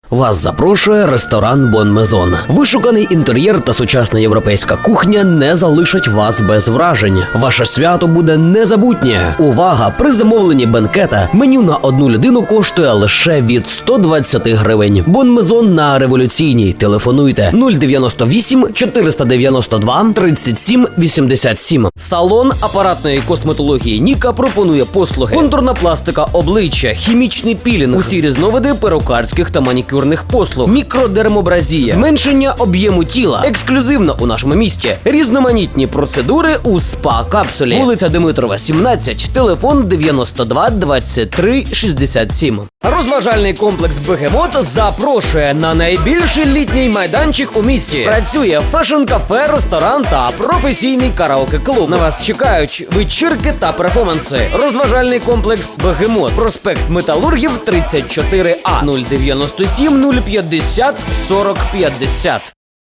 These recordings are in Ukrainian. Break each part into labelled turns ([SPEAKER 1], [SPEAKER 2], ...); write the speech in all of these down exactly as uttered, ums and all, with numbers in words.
[SPEAKER 1] Вас запрошує ресторан Бон Мезон. Вишуканий інтер'єр та сучасна європейська кухня не залишать вас без вражень. Ваше свято буде незабутнє. Увага! При замовленні бенкета меню на одну людину коштує лише від сто двадцять гривень. Бон Мезон на Революційній. Телефонуйте нуль дев'яносто вісім чотириста дев'яносто два тридцять сім вісімдесят сім. Салон апаратної косметології Ніка пропонує послуги: контурна пластика обличчя, хімічний пілінг, усі різновиди перукарських та манікюрних послуг, мікродермобразія, зменшення об'єму тіла. Ексклюзивно у нашому місті різноманітні процедури у спа-капсулі. Вулиця Димитрова, сімнадцять, телефон дев'яносто два двадцять три шістдесят сім. Розважальний комплекс «Бегемот» запрошує на найбільший літній майданчик у місті. Працює фешн-кафе, ресторан та професійний караоке-клуб. На вас чекають вечірки та перформанси. Розважальний комплекс «Бегемот», проспект Металургів, тридцять чотири А, нуль дев'яносто сім нуль п'ятдесят сорок п'ятдесят.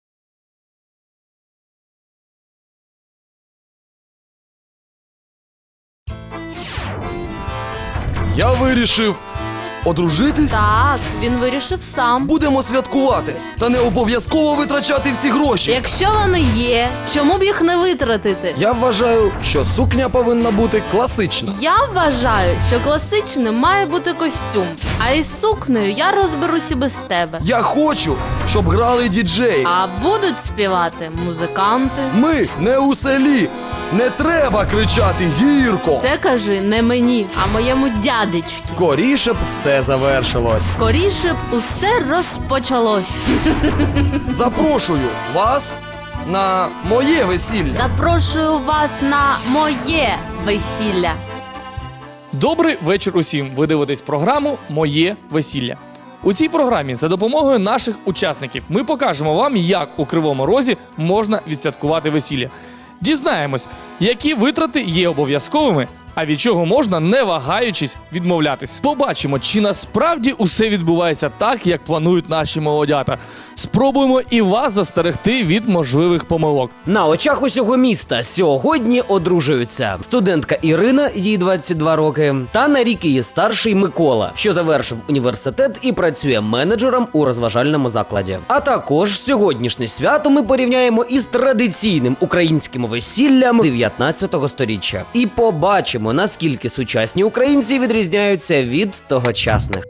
[SPEAKER 2] Я вирішив одружитись.
[SPEAKER 3] Так, він вирішив сам.
[SPEAKER 2] Будемо святкувати, та не обов'язково витрачати всі гроші.
[SPEAKER 3] Якщо вони є, чому б їх не витратити?
[SPEAKER 2] Я вважаю, що сукня повинна бути класична.
[SPEAKER 3] Я вважаю, що класичним має бути костюм, а із сукнею я розберусь і без тебе.
[SPEAKER 2] Я хочу, щоб грали діджеї.
[SPEAKER 3] А будуть співати музиканти.
[SPEAKER 2] Ми не у селі. Не треба кричати гірко.
[SPEAKER 3] Це кажи не мені, а моєму дядечку.
[SPEAKER 2] Скоріше б все завершилось.
[SPEAKER 3] Скоріше б усе розпочалось.
[SPEAKER 2] Запрошую вас на моє весілля.
[SPEAKER 3] Запрошую вас на моє весілля.
[SPEAKER 4] Добрий вечір усім! Ви дивитесь програму «Моє весілля». У цій програмі за допомогою наших учасників ми покажемо вам, як у Кривому Розі можна відсвяткувати весілля. Дізнаємось, які витрати є обов'язковими, а від чого можна, не вагаючись, відмовлятись. Побачимо, чи насправді усе відбувається так, як планують наші молодята. Спробуємо і вас застерегти від можливих помилок.
[SPEAKER 1] На очах усього міста сьогодні одружуються студентка Ірина, їй двадцять два роки, та на рік її старший Микола, що завершив університет і працює менеджером у розважальному закладі. А також сьогоднішнє свято ми порівняємо із традиційним українським весіллям дев'ятнадцятого сторіччя. І побачимо, наскільки сучасні українці відрізняються від тогочасних.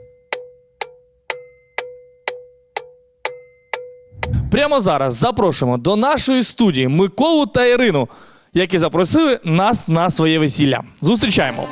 [SPEAKER 4] Прямо зараз запрошуємо до нашої студії Миколу та Ірину, які запросили нас на своє весілля. Зустрічаємо!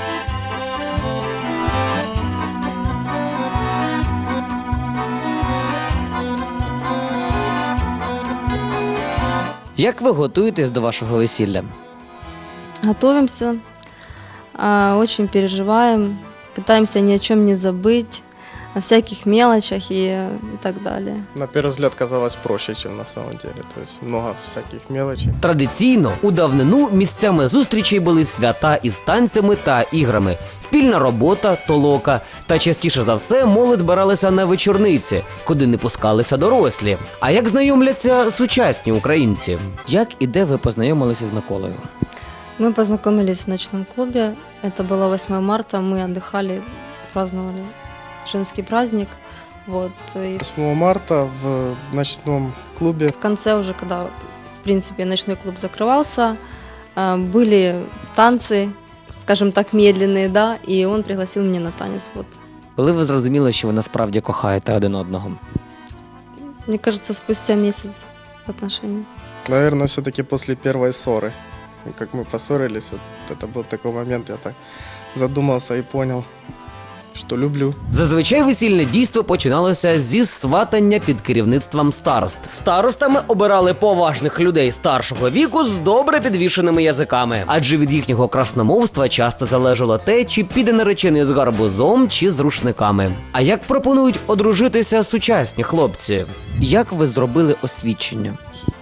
[SPEAKER 1] Як ви готуєтесь до вашого весілля?
[SPEAKER 5] Готовимся, а, очень переживаем, пытаемся ни о чем не забыть, о всяких мелочах и, и так далее.
[SPEAKER 6] На первый взгляд казалось проще, чем на самом деле. То есть много всяких мелочей.
[SPEAKER 1] Традиційно у давнину місцями зустрічей були свята із танцями та іграми, спільна робота, толока. Та частіше за все молодь збиралася на вечорниці, куди не пускалися дорослі. А як знайомляться сучасні українці? Як і де ви познайомилися з Миколою?
[SPEAKER 5] Мы познакомились в ночном клубе, это было восьмое марта, мы отдыхали, праздновали женский праздник. Вот. И
[SPEAKER 6] восьмого марта в ночном клубе
[SPEAKER 5] в конце уже, когда, в принципе, ночной клуб закрывался, а, были танцы, скажем так, медленные, да, и он пригласил меня на танец. Вот.
[SPEAKER 1] Коли ви зрозуміли, що ви насправді кохаєте один одного?
[SPEAKER 5] Мне кажется, спустя месяц отношений.
[SPEAKER 6] наверное, все-таки после первой ссоры. И как мы поссорились, вот это был такой момент, я так задумался и понял, що люблю.
[SPEAKER 1] Зазвичай весільне дійство починалося зі сватання під керівництвом старост. Старостами обирали поважних людей старшого віку з добре підвішеними язиками, адже від їхнього красномовства часто залежало те, чи піде наречений з гарбузом чи з рушниками. А як пропонують одружитися сучасні хлопці? Як ви зробили освідчення?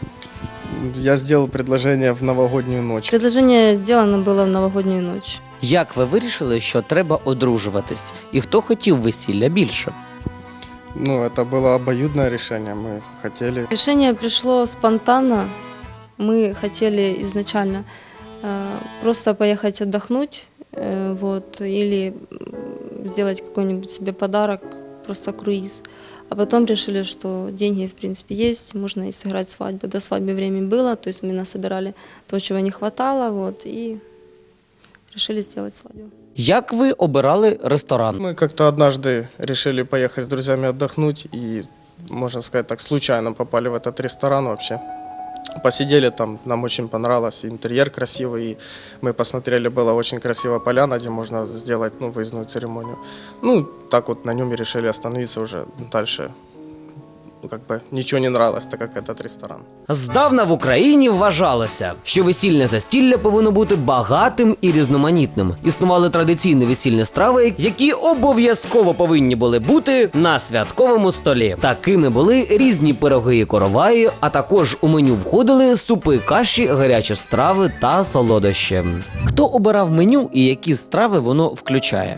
[SPEAKER 6] Я сделал предложение в новогоднюю ночь.
[SPEAKER 5] Предложение сделано было в новогоднюю ночь.
[SPEAKER 1] Як ви вирішили, що треба одружуватись? І хто хотів весілля більше?
[SPEAKER 6] Ну, это было обоюдное решение, мы хотели.
[SPEAKER 5] Решение пришло спонтанно. Мы хотели изначально э, просто поехать отдохнуть, э, вот, или сделать какой-нибудь себе подарок, просто круиз. А потом решили, что деньги, в принципе, есть, можно и сыграть свадьбу. До свадьбы время было, то есть мы насобирали то, чего не хватало, вот, и решили сделать свадьбу.
[SPEAKER 1] Як ви обирали ресторан?
[SPEAKER 6] Мы как-то однажды решили поехать с друзьями отдохнуть и, можно сказать так, случайно попали в этот ресторан вообще. Посидели там, нам очень понравилось, интерьер красивый, и мы посмотрели, была очень красивая поляна, где можно сделать, ну, выездную церемонию. Ну, так вот на нем и решили остановиться уже дальше. Ну, как бы ничего не нравилось, так как этот ресторан.
[SPEAKER 1] Здавна в Україні вважалося, що весільне застілля повинно бути багатим і різноманітним. Існували традиційні весільні страви, які обов'язково повинні були бути на святковому столі. Такими були різні пироги і короваї, а також у меню входили супи, каші, гарячі страви та солодощі. Хто обирав меню і які страви воно включає?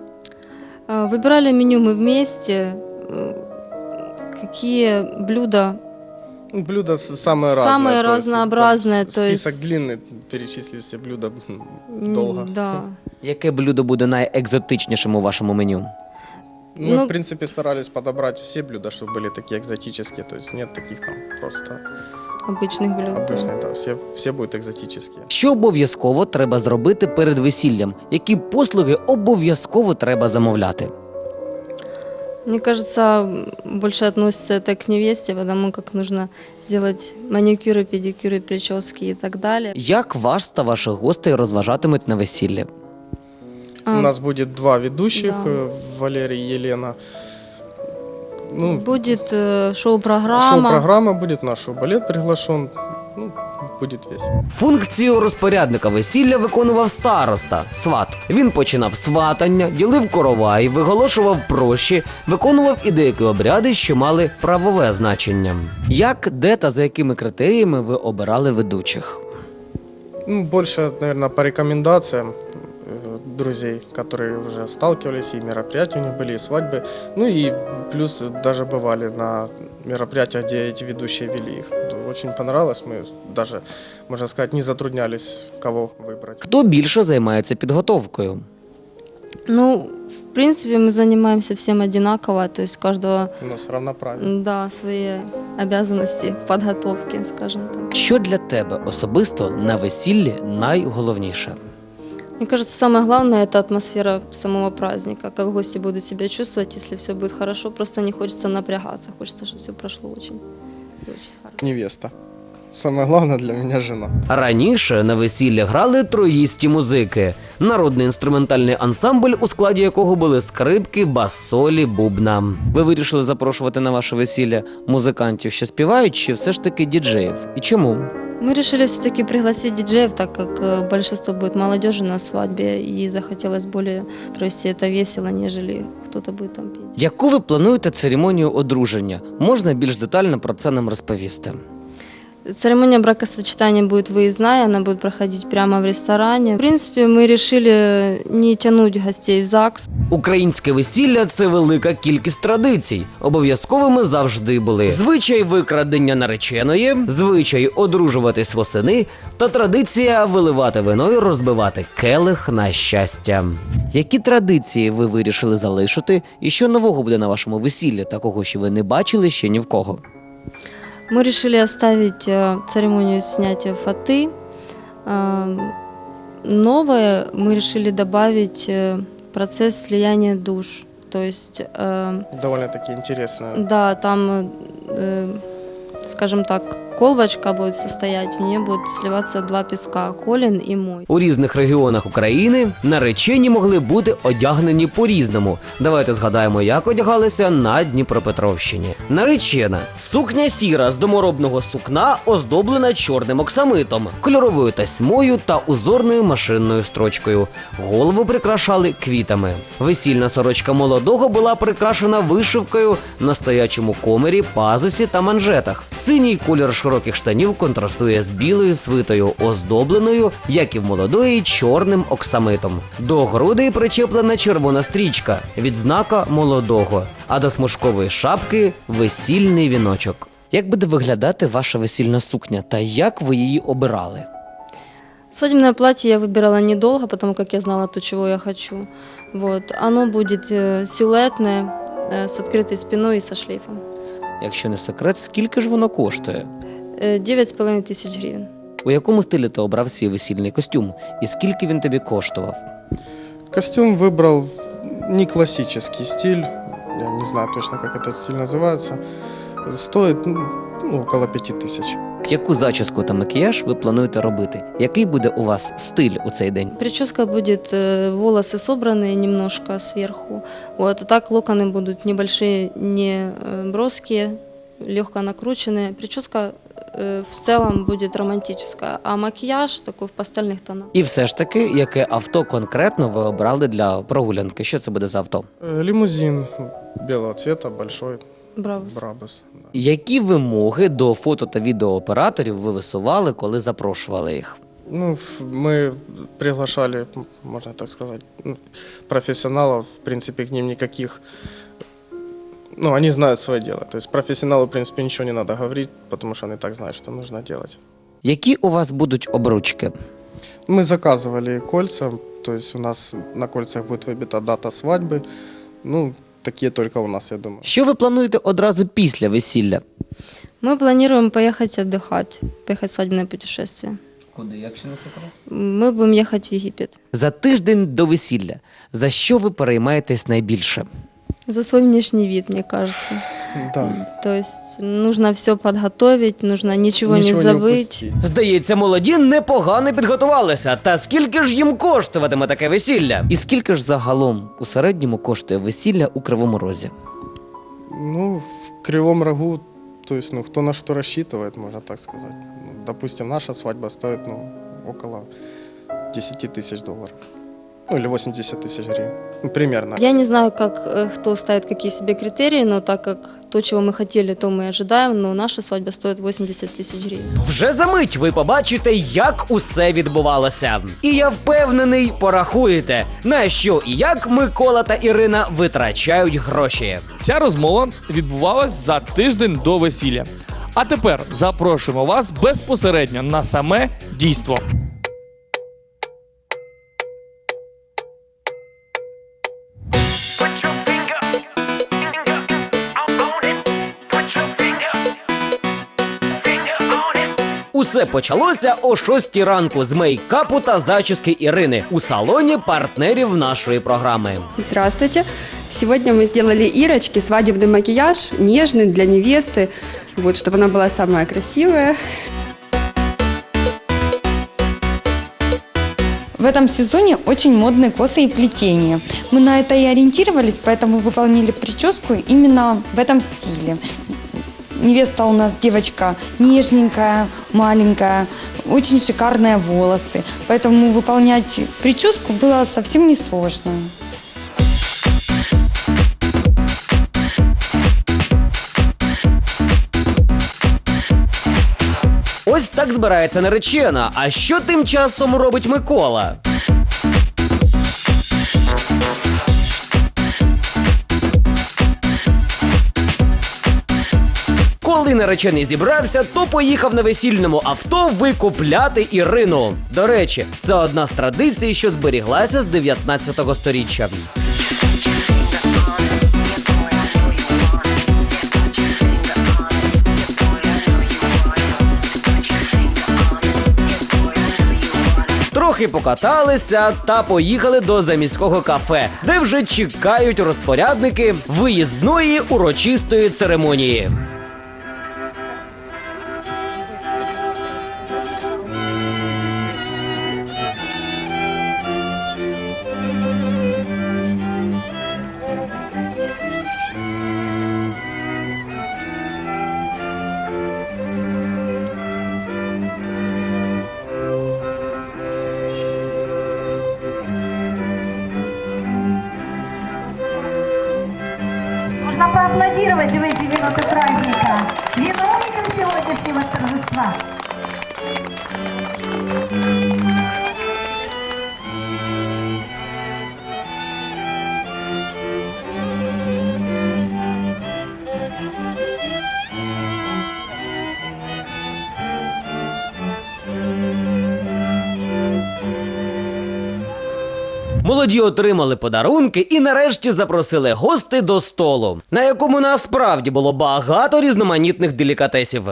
[SPEAKER 5] А, Выбирали меню мы вместе, э, какие блюда.
[SPEAKER 6] Ну, блюда с- самые разные.
[SPEAKER 5] Самые
[SPEAKER 6] то есть,
[SPEAKER 5] разнообразные,
[SPEAKER 6] там
[SPEAKER 5] то есть-
[SPEAKER 6] Список длинный, перечислить все блюда м,
[SPEAKER 5] М,
[SPEAKER 6] долго.
[SPEAKER 5] Да.
[SPEAKER 1] Яке блюдо буде найекзотичнішим у вашому меню?
[SPEAKER 6] Мы,
[SPEAKER 5] Ну-
[SPEAKER 6] в принципе, старались подобрать все блюда, чтобы были такие экзотические, то есть нет таких там просто
[SPEAKER 5] Обычных блюд. да.
[SPEAKER 6] обычных, да, все, все будут экзотические.
[SPEAKER 1] Що обов'язково треба зробити перед весіллям? Які послуги обов'язково треба замовляти?
[SPEAKER 5] Мне кажется, больше относится это к невесте, потому как нужно сделать маникюры, педикюры, прически и так далее.
[SPEAKER 1] Як вас та ваших гостей розважатимуть на весіллі?
[SPEAKER 5] А,
[SPEAKER 6] У нас будет два ведущих,
[SPEAKER 5] Да.
[SPEAKER 6] э, Валерий и Елена. Ну,
[SPEAKER 5] Будет э, шоу-программа.
[SPEAKER 6] шоу-программа будет, наш шоу-балет приглашен. Ну, будет весело.
[SPEAKER 1] Функцію розпорядника весілля виконував староста, сват. Він починав сватання, ділив коровай, виголошував прощі, виконував і деякі обряди, що мали правове значення. Як, де та за якими критеріями ви обирали ведучих?
[SPEAKER 6] Ну, больше, наверное, по рекомендациям э, друзей, которые уже сталкивались, и мероприятия у них были, и свадьбы. Ну и плюс даже бывали на мероприятиях, где эти ведущие вели их. Очень понравилось, мы даже, можно сказать, не затруднялись, кого выбрать.
[SPEAKER 1] Хто більше займається підготовкою?
[SPEAKER 5] Ну, в принципе, мы занимаемся всем одинаково, то есть у каждого,
[SPEAKER 6] У нас равноправие.
[SPEAKER 5] да, свои обязанности в подготовке, скажем так.
[SPEAKER 1] Що для тебе особисто на весіллі найголовніше?
[SPEAKER 5] Мне кажется, самое главное – это атмосфера самого праздника, как гости будут себя чувствовать, если все будет хорошо, просто не хочется напрягаться, хочется, чтобы все прошло очень, очень хорошо.
[SPEAKER 6] Невеста. Самое главное для меня жена.
[SPEAKER 1] Раніше на весіллі грали троїсті музики. Народний інструментальний ансамбль, у складі якого були скрипки, бас-солі, бубна. Ви вирішили запрошувати на ваше весілля музикантів, що співають, чи все ж таки діджеїв? І чому?
[SPEAKER 5] Мы решили все-таки пригласить диджеев, так как э, большинство будет молодежи на свадьбе, и захотелось более провести это весело, нежели кто-то будет там петь.
[SPEAKER 1] Яку ви плануєте церемонію одруження? Можна більш детально про це нам розповісти?
[SPEAKER 5] Церемония бракосочетания будет выездная, она будет проходить прямо в ресторане. В принципе, мы решили не тянуть гостей в ЗАГС.
[SPEAKER 1] Українське весілля – це велика кількість традицій. Обов'язковими завжди були звичай викрадення нареченої, звичай одружуватись восени та традиція виливати вино і розбивати келих на щастя. Які традиції ви вирішили залишити і що нового буде на вашому весіллі, такого, що ви не бачили ще ні в кого?
[SPEAKER 5] Мы решили оставить э, церемонию снятия фаты. Э, Новое мы решили добавить э, процесс слияния душ. То есть, э,
[SPEAKER 6] Довольно-таки интересно.
[SPEAKER 5] да, там, э, скажем так, колбочка будет состоять, в нее будут сливаться два песка, Колин и мой.
[SPEAKER 1] У різних регіонах України наречені могли бути одягнені по-різному. Давайте згадаємо, як одягалися на Дніпропетровщині. Наречена – сукня сіра з доморобного сукна, оздоблена чорним оксамитом, кольоровою тасьмою та узорною машинною строчкою. Голову прикрашали квітами. Весільна сорочка молодого була прикрашена вишивкою на стоячому комері, пазусі та манжетах. Синій колір широких штанів контрастує з білою свитою, оздобленою, як і в молодої, чорним оксамитом. До грудей причеплена червона стрічка – відзнака молодого, а до смужкової шапки – весільний віночок. Як буде виглядати ваша весільна сукня та як ви її обирали?
[SPEAKER 5] Свадебное платье я выбирала недолго, потому как я знала то, чего я хочу. Вот. Оно будет э, силуэтное, э, с открытой спиной и со шлейфом.
[SPEAKER 1] Якщо не секрет, скільки ж воно коштує?
[SPEAKER 5] Э, Девять с половиной тысяч гривен.
[SPEAKER 1] У якому стилі ти обрав свій весільний костюм? І скільки він тобі коштував?
[SPEAKER 6] Костюм выбрал не классический стиль, я не знаю точно, как этот стиль называется. Стоит ну, около пяти тысяч.
[SPEAKER 1] Яку зачіску та макіяж ви плануєте робити? Який буде у вас стиль у цей день?
[SPEAKER 5] Прическа будет, э, волосы собранные немножко сверху. Вот, а так локоны будут небольшие, не э, броские, легко накрученные. Прическа э, в целом будет романтическая, а макияж такой в пастельных тонах.
[SPEAKER 1] І все ж таки, яке авто конкретно ви обрали для прогулянки? Що це буде за авто?
[SPEAKER 6] Э, Лимузин белого цвета, большой,
[SPEAKER 5] Браво.
[SPEAKER 6] Брабус. Да.
[SPEAKER 1] Які вимоги до фото та відеооператорів ви висували, коли запрошували їх?
[SPEAKER 6] Ну, ф- мы приглашали, м, можно так сказать, ну, профессионалов, в принципе, к ним никаких, ну, они знают свое дело. То есть профессионалу, в принципе, ничего не надо говорить, потому что они так знают, что нужно делать.
[SPEAKER 1] Які у вас будуть обручки?
[SPEAKER 6] Мы заказывали кольца, то есть у нас на кольцах будет выбита дата свадьбы, ну, такие только у нас, я думаю.
[SPEAKER 1] Що ви плануєте одразу після весілля?
[SPEAKER 5] Мы планируем поехать отдыхать, поехать в свадебное путешествие.
[SPEAKER 1] Куди, якщо не секрет?
[SPEAKER 5] Мы будем ехать в Египет.
[SPEAKER 1] За тиждень до весілля. За що ви переймаєтесь найбільше?
[SPEAKER 5] За свой внешний вид, мне кажется.
[SPEAKER 6] Да.
[SPEAKER 5] То есть нужно все подготовить, нужно ничего,
[SPEAKER 6] Ничего
[SPEAKER 5] не
[SPEAKER 6] не
[SPEAKER 5] забыть.
[SPEAKER 6] упустить.
[SPEAKER 1] Здається, молоді непогано підготувалися. Та скільки ж їм коштуватиме таке весілля? І скільки ж загалом у середньому коштує весілля у Кривому Розі?
[SPEAKER 6] Ну, в Кривом Рогу, то есть, ну, кто на что рассчитывает, можно так сказать. Ну, допустим, наша свадьба стоит, ну, около десяти тысяч долларов. Ну, или восемьдесят тысяч гривен. Ну, примерно.
[SPEAKER 5] Я не знаю, как э, кто ставит какие себе критерии, но так как то, чего мы хотели, то мы ожидаем, но наша свадьба стоит восемьдесят тысяч гривен.
[SPEAKER 1] Вже за мить ви побачите, як усе відбувалося. І я впевнений, порахуєте, на що і як Микола та Ірина витрачають гроші.
[SPEAKER 4] Ця розмова відбувалась за тиждень до весілля. А тепер запрошуємо вас безпосередньо на саме дійство.
[SPEAKER 1] Усе почалося о шостій ранку з мейкапу та зачіски Ірини у салоні партнерів нашої програми.
[SPEAKER 7] Здравствуйте! Сегодня мы сделали Ирочке свадебный макияж, нежный для невесты, вот, чтобы она была самая красивая.
[SPEAKER 8] В этом сезоне очень модны косы и плетения. Мы на это и ориентировались, поэтому выполнили прическу именно в этом стиле. Невеста у нас девочка нежненькая, маленькая, очень шикарные волосы. Поэтому выполнять прическу было совсем несложно.
[SPEAKER 1] Ось так збирається наречена. А що тим часом робить Микола? Коли наречений зібрався, то поїхав на весільному авто викупляти Ірину. До речі, це одна з традицій, що зберіглася з дев'ятнадцятого сторіччя. Трохи покаталися та поїхали до заміського кафе, де вже чекають розпорядники виїзної урочистої церемонії.
[SPEAKER 9] Нужно поаплодировать в эти минуты праздника виновникам сегодняшнего торжества.
[SPEAKER 1] Молоді отримали подарунки і нарешті запросили гостей до столу, на якому насправді було багато різноманітних делікатесів.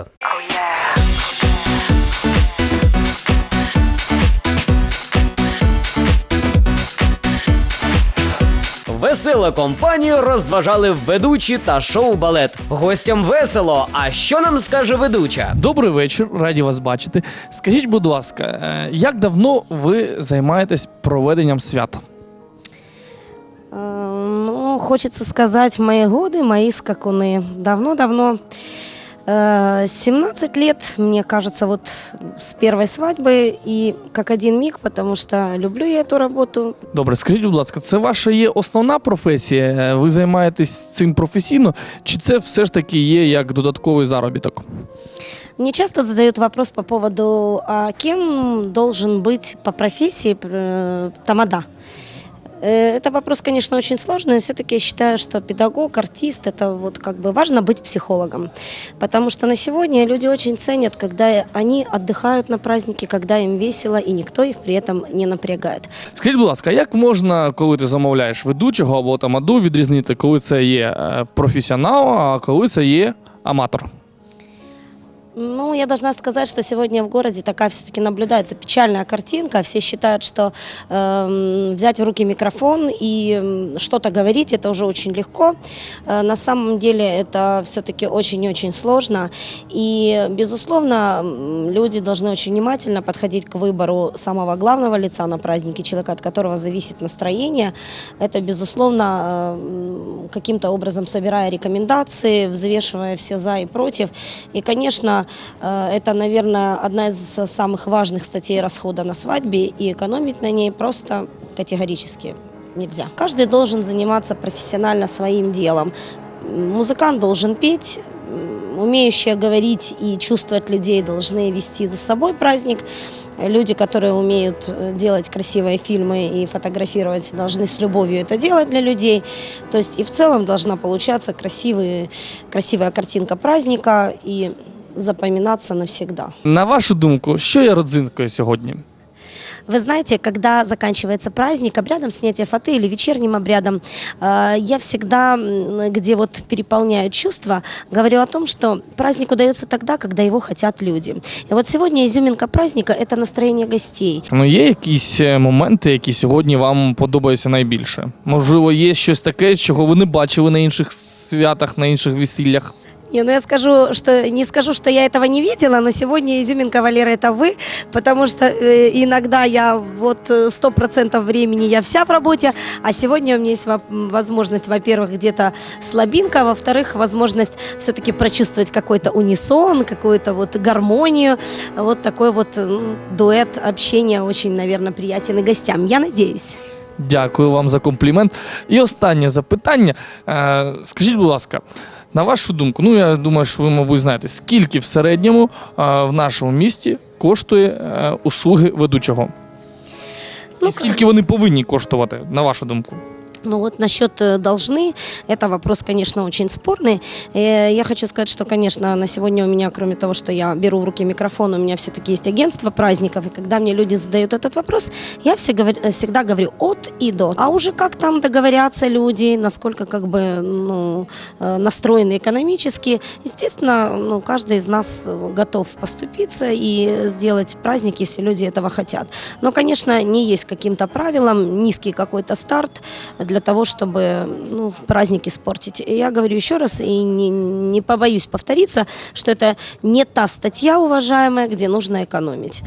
[SPEAKER 1] Веселу компанію розважали ведучі та шоу-балет. Гостям весело, а що нам скаже ведуча?
[SPEAKER 4] Добрий вечір, раді вас бачити. Скажіть, будь ласка, е, як давно ви займаєтесь проведенням свята?
[SPEAKER 10] Э, Ну, хочется сказать, мои годы, мои скакуны. Давно-давно, э, семнадцать лет, мне кажется, вот с первой свадьбы и как один миг, потому что люблю я эту работу.
[SPEAKER 4] Добре, скажіть, будь ласка, це ваша є основна професія? Ви займаєтесь цим професійно? Чи це все ж таки є як додатковий заробіток?
[SPEAKER 10] Мне часто задают вопрос по поводу, а кем должен быть по профессии э, тамада? Э, Это вопрос, конечно, очень сложный, но все-таки я считаю, что педагог, артист, это вот как бы важно быть психологом. Потому что на сегодня люди очень ценят, когда они отдыхают на празднике, когда им весело, и никто их при этом не напрягает.
[SPEAKER 4] Скажіть, будь ласка, як можна, коли ти замовляєш ведучого або тамаду, відрізнити, коли це є е, професіонал, а коли це є аматор?
[SPEAKER 10] Ну, я должна сказать, что сегодня в городе такая все-таки наблюдается печальная картинка. Все считают, что э, взять в руки микрофон и э, что-то говорить, это уже очень легко. Э, на самом деле это все-таки очень-очень сложно. И, безусловно, м, люди должны очень внимательно подходить к выбору самого главного лица на празднике, человека, от которого зависит настроение. Это, безусловно, э, каким-то образом собирая рекомендации, взвешивая все за и против. И, конечно, это, наверное, одна из самых важных статей расхода на свадьбе, и экономить на ней просто категорически нельзя. Каждый должен заниматься профессионально своим делом. Музыкант должен петь, умеющие говорить и чувствовать людей должны вести за собой праздник. Люди, которые умеют делать красивые фильмы и фотографировать, должны с любовью это делать для людей. То есть и в целом должна получаться красивый, красивая картинка праздника и запоминаться навсегда.
[SPEAKER 4] На вашу думку, що є родзинкою сьогодні?
[SPEAKER 10] Вы знаете, когда заканчивается праздник, обрядом снятия фаты или вечерним обрядом, э, я всегда, м, где вот переполняют чувства, говорю о том, что праздник удается тогда, когда его хотят люди. И вот сегодня изюминка праздника – это настроение гостей.
[SPEAKER 4] Ну, є якісь е, моменти, які сьогодні вам подобаються найбільше? Можливо, є щось таке, чого ви не бачили на інших святах, на інших весіллях?
[SPEAKER 10] Не, ну я скажу, что не скажу, что я этого не видела, но сегодня изюминка, Валера, это вы, потому что э, иногда я вот сто процентов времени я вся в работе, а сегодня у меня есть возможность, во-первых, где-то слабинка, во-вторых, возможность все-таки прочувствовать какой-то унисон, какую-то вот гармонию, вот такой вот ну, дуэт общения очень, наверное, приятен и гостям. Я надеюсь.
[SPEAKER 4] Дякую вам за комплімент. І останнє запитання. Е, скажіть, будь ласка, на вашу думку, ну я думаю, що ви, мабуть, знаєте, скільки в середньому е, в нашому місті коштує е, услуги ведучого?
[SPEAKER 10] Ну,
[SPEAKER 4] І скільки вони повинні коштувати, на вашу думку?
[SPEAKER 10] Ну вот насчет должны, это вопрос, конечно, очень спорный. Э, Я хочу сказать, что, конечно, на сегодня у меня, кроме того, что я беру в руки микрофон, у меня все-таки есть агентство праздников, и когда мне люди задают этот вопрос, я всегда говорю от и до. А уже как там договорятся люди, насколько как бы ну, настроены экономически, естественно, ну, каждый из нас готов поступиться и сделать праздник, если люди этого хотят. Но, конечно, не есть каким-то правилом, низкий какой-то старт для того, чтобы ну, праздник испортить. И я говорю еще раз, и не, не побоюсь повториться, что это не та статья, уважаемая, где нужно экономить.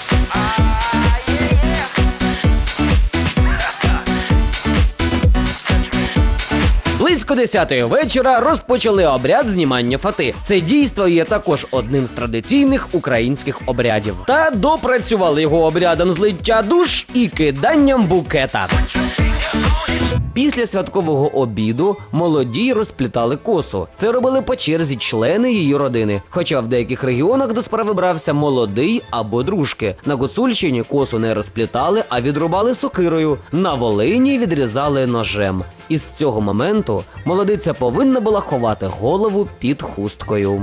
[SPEAKER 1] Близько десятої вечора розпочали обряд знімання фати. Це дійство є також одним з традиційних українських обрядів. Та допрацювали його обрядом злиття душ і киданням букета. Після святкового обіду молоді розплітали косу. Це робили по черзі члени її родини. Хоча в деяких регіонах до справи брався молодий або дружки. На Гуцульщині косу не розплітали, а відрубали сокирою. На Волині відрізали ножем. І з цього моменту молодиця повинна була ховати голову під хусткою.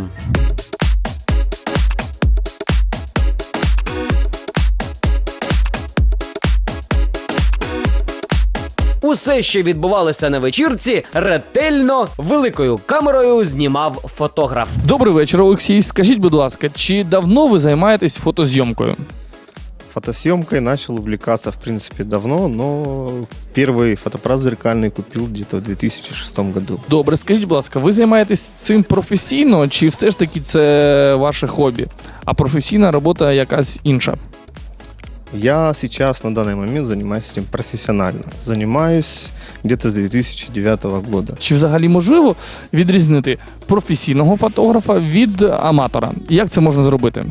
[SPEAKER 1] Усе, що відбувалося на вечірці, ретельно великою камерою знімав фотограф.
[SPEAKER 4] Добрий вечір, Олексій. Скажіть, будь ласка, чи давно ви займаєтесь фотозйомкою?
[SPEAKER 11] Фотосъемкой начал увлекаться, в принципе, давно, но первый фотоаппарат зеркальный купил где-то в две тысячи шестом году.
[SPEAKER 4] Добре, скажіть, будь ласка, ви займаєтесь цим професійно, чи все ж таки це ваше хобі, а професійна робота якась інша?
[SPEAKER 11] Я сейчас на данный момент занимаюсь этим профессионально. Занимаюсь где-то с две тысячи девятого года.
[SPEAKER 4] Чи взагалі можливо відрізнити професійного фотографа від аматора? Як це можна зробити?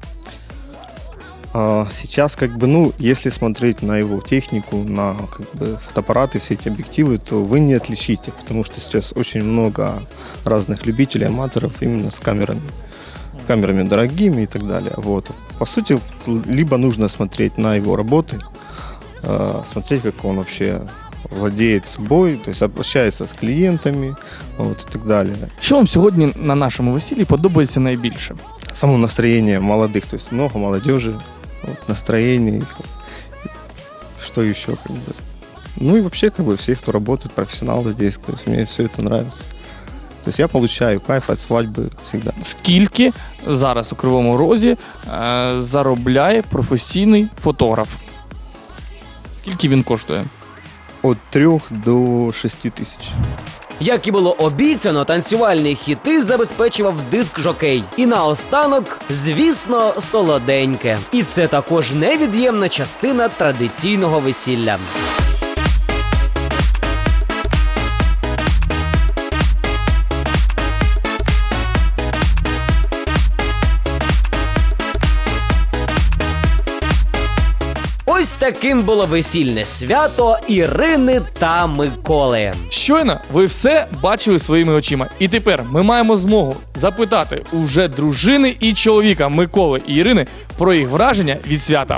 [SPEAKER 11] А сейчас, как бы, ну, если смотреть на его технику, на как бы, фотоаппараты, все эти объективы, то вы не отличите, потому что сейчас очень много разных любителей, аматоров именно с камерами. Камерами дорогими и так далее. Вот. По сути, либо нужно смотреть на его работы, э, смотреть, как он вообще владеет собой, то есть общается с клиентами, вот, и так далее.
[SPEAKER 4] Що вам сьогодні на нашому весіллі подобається найбільше?
[SPEAKER 11] Само настроение молодых, то есть много молодежи, вот, настроение, что еще, как бы. Ну и вообще, как бы, все, кто работает, профессионалы здесь, то есть мне все это нравится. То есть я получаю кайф от свадьбы всегда.
[SPEAKER 4] Скільки зараз у Кривому Розі е, заробляє професійний фотограф? Скільки він коштує?
[SPEAKER 11] От трьох до шести тисяч.
[SPEAKER 1] Як і було обіцяно, танцювальні хіти забезпечував диск-жокей. І наостанок, звісно, солоденьке. І це також невід'ємна частина традиційного весілля. Ось таким було весільне свято Ірини та Миколи.
[SPEAKER 4] Щойно ви все бачили своїми очима. І тепер ми маємо змогу запитати у вже дружини і чоловіка Миколи і Ірини про їх враження від свята.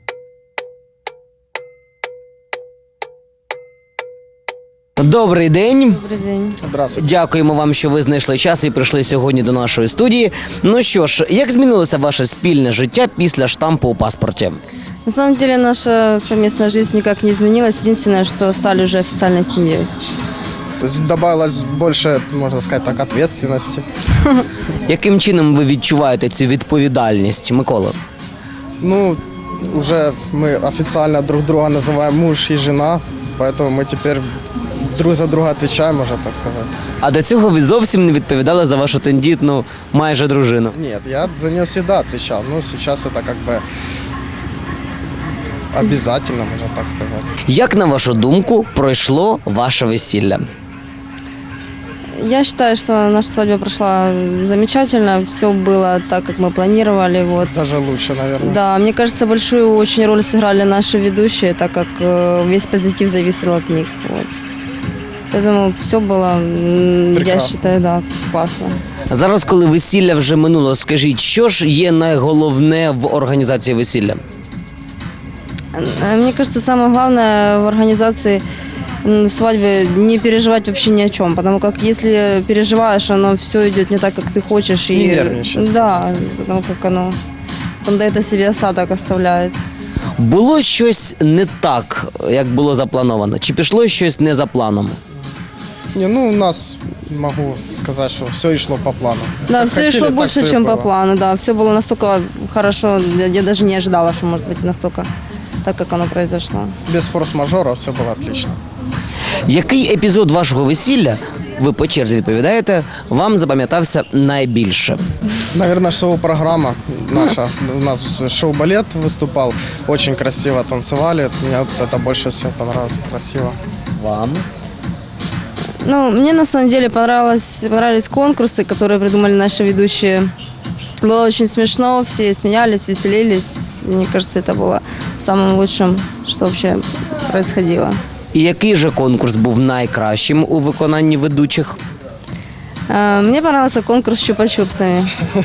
[SPEAKER 1] Добрий день.
[SPEAKER 5] Добрый день.
[SPEAKER 6] Здравствуйте.
[SPEAKER 1] Дякуємо вам, що ви знайшли час і прийшли сьогодні до нашої студії. Ну що ж, як змінилося ваше спільне життя після штампу у паспорті?
[SPEAKER 5] На самом деле наша совместная жизнь никак не изменилась. Единственное, что стали уже официальной семьей.
[SPEAKER 6] То есть добавилось больше, можно сказать так, ответственности.
[SPEAKER 1] Яким чином ви відчуваєте цю відповідальність, Микола?
[SPEAKER 6] Ну, уже мы официально друг друга называем муж и жена, поэтому мы теперь друг за друга отвечаем, можно так сказать.
[SPEAKER 1] А до цього ви зовсім не відповідали за вашу тендітну майже дружину.
[SPEAKER 6] Нет, я за нее всегда отвечал. Ну, сейчас это как бы обязательно, можно так сказать.
[SPEAKER 1] Як, на вашу думку, пройшло ваше весілля?
[SPEAKER 5] Я считаю, что наша свадьба прошла замечательно. Все было так, как мы планировали. Вот.
[SPEAKER 6] Даже лучше, наверное.
[SPEAKER 5] Да, мне кажется, большую очень роль сыграли наши ведущие, так как э, весь позитив зависел от них. Вот. Поэтому все было, м, я
[SPEAKER 6] Прекрасно.
[SPEAKER 5] считаю, да, классно.
[SPEAKER 1] Зараз, коли весілля вже минуло, скажіть, що ж є найголовне в організації весілля?
[SPEAKER 5] Э, Мне кажется, самое главное в организации м, свадьбы не переживать вообще ни о чем, потому как если переживаешь, оно все идет не так, как ты хочешь.
[SPEAKER 6] Не
[SPEAKER 5] и,
[SPEAKER 6] нервничать.
[SPEAKER 5] Да, потому как оно потом до этого себе осадок оставляет.
[SPEAKER 1] Було щось не так, як було заплановано? Чи пішло щось не за планом?
[SPEAKER 6] Не, ну, у нас, могу сказать, что все и шло по плану.
[SPEAKER 5] Да,
[SPEAKER 6] Как
[SPEAKER 5] все
[SPEAKER 6] хотели,
[SPEAKER 5] шло
[SPEAKER 6] так
[SPEAKER 5] больше,
[SPEAKER 6] всё и
[SPEAKER 5] чем по
[SPEAKER 6] было.
[SPEAKER 5] плану, да, все было настолько хорошо, я, я даже не ожидала, что может быть настолько так, как оно произошло.
[SPEAKER 6] Без форс-мажора все было отлично.
[SPEAKER 1] Який епізод вашого весілля, ви по черзі відповідаєте, вам запам'ятався найбільше?
[SPEAKER 6] Наверное, шоу-программа наша. У нас шоу-балет выступал. Очень красиво танцевали. Мне вот это больше всего понравилось. Красиво.
[SPEAKER 1] Вам?
[SPEAKER 5] Ну, мне на самом деле понравилось, понравились конкурсы, которые придумали наши ведущие. Было очень смешно, все смеялись, веселились. Мне кажется, это было самым лучшим, что вообще происходило.
[SPEAKER 1] І який же конкурс був найкращим у виконанні ведучих?
[SPEAKER 5] Э, Мне понравился конкурс с чупа-чупсами.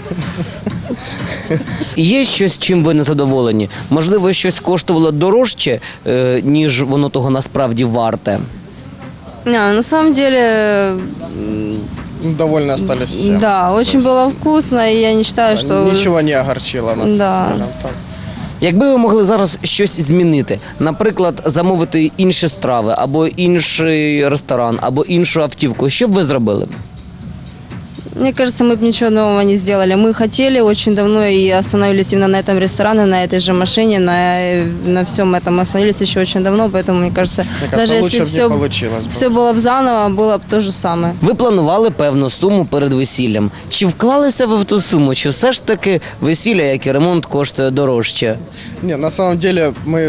[SPEAKER 1] Є щось, чим ви не задоволені? Можливо, щось коштувало дорожче, е, ніж воно того насправді варте?
[SPEAKER 5] Не, на самом деле, м,
[SPEAKER 6] Ну, довольны остались все.
[SPEAKER 5] да, очень было вкусно, и я не считаю, что...
[SPEAKER 6] Ничего не огорчило нас,
[SPEAKER 5] Да.
[SPEAKER 6] скажем так.
[SPEAKER 1] Якби ви могли зараз щось змінити, наприклад, замовити інші страви, або інший ресторан, або іншу автівку, що б ви зробили?
[SPEAKER 5] Мне кажется, мы бы ничего нового не сделали. Мы хотели очень давно и остановились именно на этом ресторане, на этой же машине, на, на всем этом. Мы остановились еще очень давно, поэтому, мне кажется,
[SPEAKER 6] Мне кажется,
[SPEAKER 5] даже
[SPEAKER 6] лучше
[SPEAKER 5] если
[SPEAKER 6] бы
[SPEAKER 5] все,
[SPEAKER 6] не получилось бы.
[SPEAKER 5] все было бы заново, было бы то же самое.
[SPEAKER 1] Ви планували певну суму перед весіллям. Чи вклалися ви в ту суму, чи все ж таки весілля, як і ремонт, коштує дорожче?
[SPEAKER 6] Не, на самом деле мы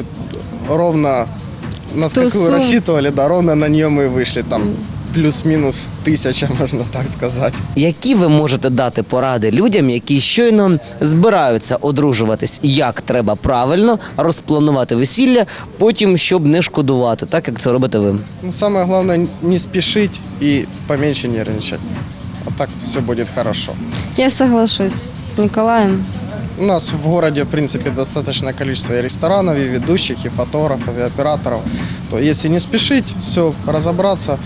[SPEAKER 6] ровно на
[SPEAKER 5] Ту
[SPEAKER 6] какую
[SPEAKER 5] сумму.
[SPEAKER 6] рассчитывали, да, ровно на нее мы вышли. Там плюс-минус тысяча, можно так сказать.
[SPEAKER 1] Які ви можете дати поради людям, які щойно збираються одружуватись, як треба правильно розпланувати весілля, потім, щоб не шкодувати, так як це робите ви?
[SPEAKER 6] Ну, самое главное не спешить и поменьше нервничать. А так все будет хорошо.
[SPEAKER 5] Я соглашусь с Николаем.
[SPEAKER 6] У нас в городе, в принципе, достаточное количество и ресторанов, и ведущих, и фотографов, и операторов. То если не спешить, все разобраться,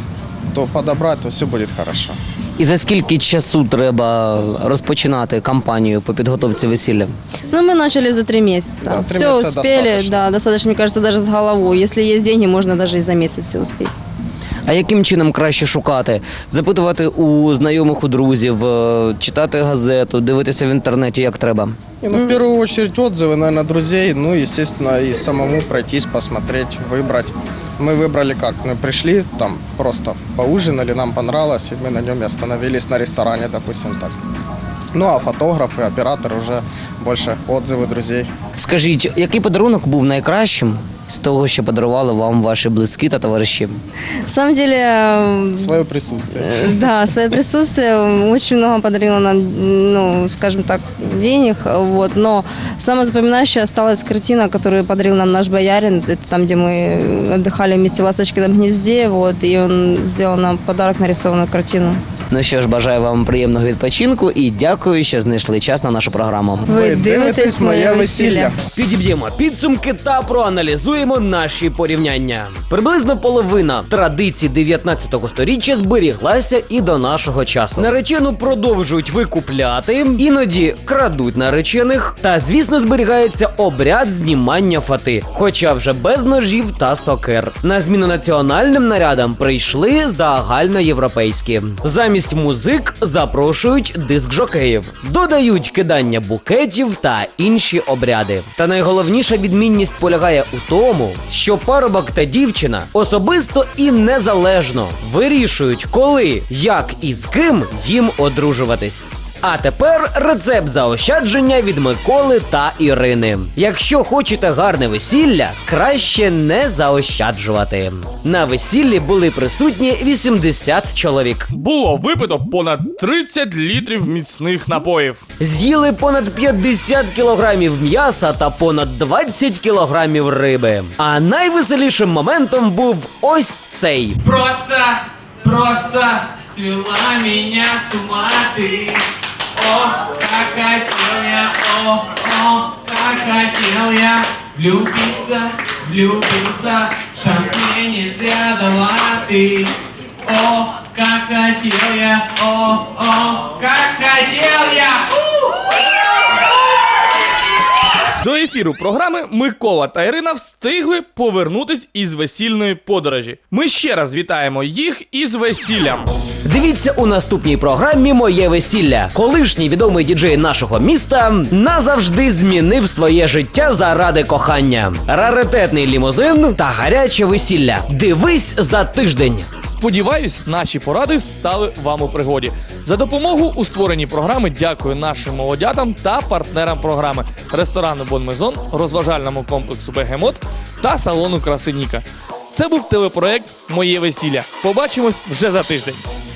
[SPEAKER 6] то подобрать, то все будет хорошо.
[SPEAKER 1] І за скільки часу треба розпочинати кампанію по підготовці весілля?
[SPEAKER 5] Ну, мы начали за три месяца.
[SPEAKER 6] Да, три
[SPEAKER 5] все
[SPEAKER 6] месяца
[SPEAKER 5] успели,
[SPEAKER 6] достаточно.
[SPEAKER 5] да, достаточно, мне кажется, даже с головой. Если есть деньги, можно даже и за месяц все успеть.
[SPEAKER 1] А яким чином краще шукати? Запитувати у знайомих, у друзів, е, читати газету, дивитися в інтернеті, як треба?
[SPEAKER 6] Не, ну, в первую очередь отзывы, наверное, друзей, ну, естественно, и самому пройтись, посмотреть, выбрать. Мы выбрали как? Мы пришли, там просто поужинали, нам понравилось, и мы на нем и остановились на ресторане, допустим, так. Ну, а фотографы, операторы уже больше отзывы друзей.
[SPEAKER 1] Скажіть, який подарунок був найкращим з того, що подарували вам ваші близькі та товариші?
[SPEAKER 5] На самом деле, э,
[SPEAKER 6] Свое присутствие.
[SPEAKER 5] Э, Да, свое присутствие очень много подарило нам, ну, скажем так, денег, вот, но самая запоминающая осталась картина, которую подарил нам наш боярин, это там, где мы отдыхали вместе в Ласточкином гнезде, вот, и он сделал нам подарок, нарисованную картину.
[SPEAKER 1] Ну що ж, бажаю вам приємного відпочинку і дякую, що знайшли час на нашу програму.
[SPEAKER 5] Ви дивитесь моє весілля.
[SPEAKER 1] Підіб'ємо підсумки та проаналізуємо наші порівняння. Приблизно половина традицій дев'ятнадцятого сторіччя зберіглася і до нашого часу. Наречену продовжують викупляти, іноді крадуть наречених, та, звісно, зберігається обряд знімання фати, хоча вже без ножів та сокир. На зміну національним нарядам прийшли загальноєвропейські. Замість музик запрошують диск-жокеїв, додають кидання букетів та інші обряди. Та найголовніша відмінність полягає у тому, що парубок та дівчина особисто і незалежно вирішують, коли, як і з ким їм одружуватись. А тепер рецепт заощадження від Миколи та Ірини. Якщо хочете гарне весілля, краще не заощаджувати. На весіллі були присутні вісімдесят чоловік.
[SPEAKER 4] Було випито понад тридцять літрів міцних напоїв.
[SPEAKER 1] З'їли понад п'ятдесят кілограмів м'яса та понад двадцять кілограмів риби. А найвеселішим моментом був ось цей.
[SPEAKER 12] Просто, просто свела меня с ума ты. О, как хотел я, о, о, как хотел я влюбиться, влюбиться, шанс мне не зря дала ты. О, как хотел я, о, о, как хотел я.
[SPEAKER 4] До ефіру програми Микола та Ірина встигли повернутись із весільної подорожі. Ми ще раз вітаємо їх із весіллям.
[SPEAKER 1] Дивіться у наступній програмі «Моє весілля». Колишній відомий діджей нашого міста назавжди змінив своє життя заради кохання. Раритетний лімузин та гаряче весілля. Дивись за тиждень.
[SPEAKER 4] Сподіваюсь, наші поради стали вам у пригоді. За допомогу у створенні програми дякую нашим молодятам та партнерам програми ресторану Бон Мезон, розважальному комплексу Бегемот та салону краси Ніка. Це був телепроект «Моє весілля». Побачимось вже за тиждень.